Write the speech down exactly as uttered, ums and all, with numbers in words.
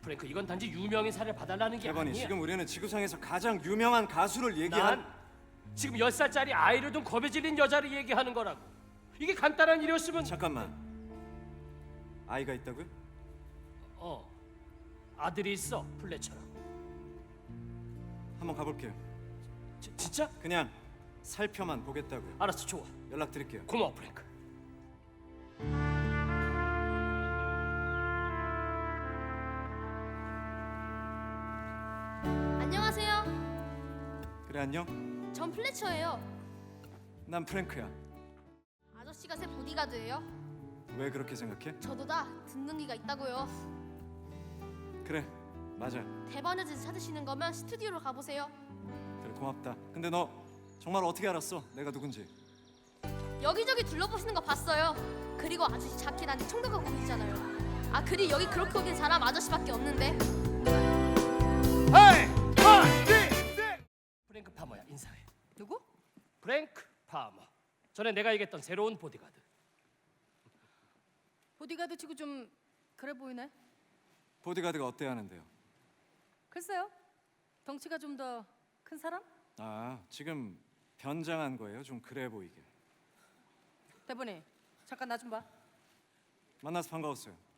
프랭크, 이건 단지 유명인 사례를 봐달라는 게 대번이 아니야. 지금 우리는 지구상에서 가장 유명한 가수를 얘기한. 난 지금 열 살짜리 아이를 둔 겁에 질린 여자를 얘기하는 거라고. 이게 간단한 일이었으면. 잠깐만. 아이가 있다고요? 어, 아들이 있어, 플래처럼. 한번 가볼게요. 지, 진짜? 그냥 살펴만 보겠다고요. 알았어, 좋아. 연락드릴게요. 고마워, 프랭크. 안녕하세요. 그래, 안녕. 전 플래처예요. 난 프랭크야. 아저씨가 새 보디가드예요. 왜 그렇게 생각해? 저도 다 듣는 귀가 있다고요. 그래, 맞아. 대바느질 찾으시는 거면 스튜디오로 가보세요. 그래, 고맙다. 근데 너 정말 어떻게 알았어? 내가 누군지. 여기저기 둘러보시는 거 봤어요. 그리고 아저씨 자켓 안에 청동가 보이잖아요. 아, 그리고 여기 그렇게 오긴 사람 아저씨밖에 없는데. 헤이! 원, 투, 셋! 프랭크 파머야, 인사해. 누구? 프랭크 파머. 전에 내가 얘기했던 새로운 보디가드. 보디가드 치고 좀 그래 보이네. 보디가드가 어때 하는데요? 글쎄요. 덩치가 좀 더 큰 사람? 아, 지금 변장한 거예요? 좀 그래 보이게. 대본이 잠깐 나 좀 봐. 만나서 반가웠어요.